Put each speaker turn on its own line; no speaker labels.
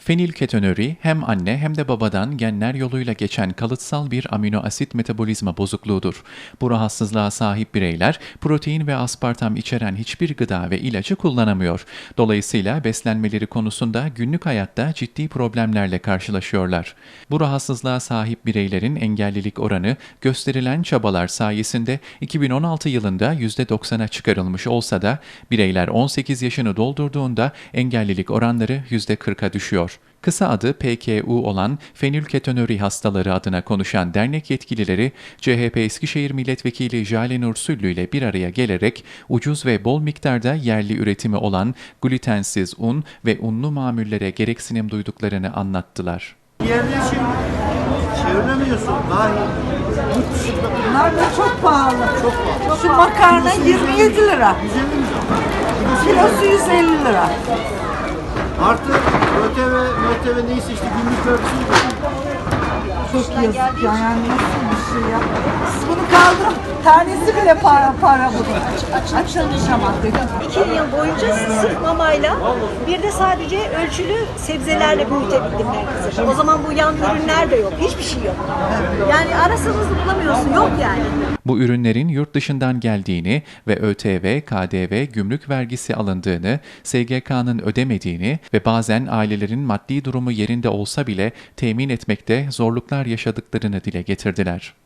Fenilketonuri hem anne hem de babadan genler yoluyla geçen kalıtsal bir amino asit metabolizma bozukluğudur. Bu rahatsızlığa sahip bireyler protein ve aspartam içeren hiçbir gıda ve ilacı kullanamıyor. Dolayısıyla beslenmeleri konusunda günlük hayatta ciddi problemlerle karşılaşıyorlar. Bu rahatsızlığa sahip bireylerin engellilik oranı gösterilen çabalar sayesinde 2016 yılında %90'a çıkarılmış olsa da bireyler 18 yaşını doldurduğunda engellilik oranları %40'a düşüyor. Kısa adı PKU olan fenilketonuri hastaları adına konuşan dernek yetkilileri, CHP Eskişehir Milletvekili Jale Nur Süllü ile bir araya gelerek ucuz ve bol miktarda yerli üretimi olan glutensiz un ve unlu mamullere gereksinim duyduklarını anlattılar.
Yerleşim çeviremiyorsun. Daha yurt dışında.
Bunlar da çok pahalı.
Çok pahalı.
Şu makarna 27 lira.
150 lira.
Kilosu 150 lira.
Artı ÖTV neyse işte günlük vergisi ödüyorsun.
Çok yazık ya. Yani nasıl bir şey ya. Siz bunu kaldırın. Tanesi bile para bunun. Açılışamadık.
2 yıl boyunca sırf mamayla bir de sadece ölçülü sebzelerle büyütebildim ben kızı. O zaman bu yan ürünler de yok. Hiçbir şey yok. Yani arasanız da bulamıyorsun. Yok yani.
Bu ürünlerin yurt dışından geldiğini ve ÖTV, KDV, gümrük vergisi alındığını, SGK'nın ödemediğini ve bazen ailelerin maddi durumu yerinde olsa bile temin etmekte zorluklar yaşadıklarını dile getirdiler.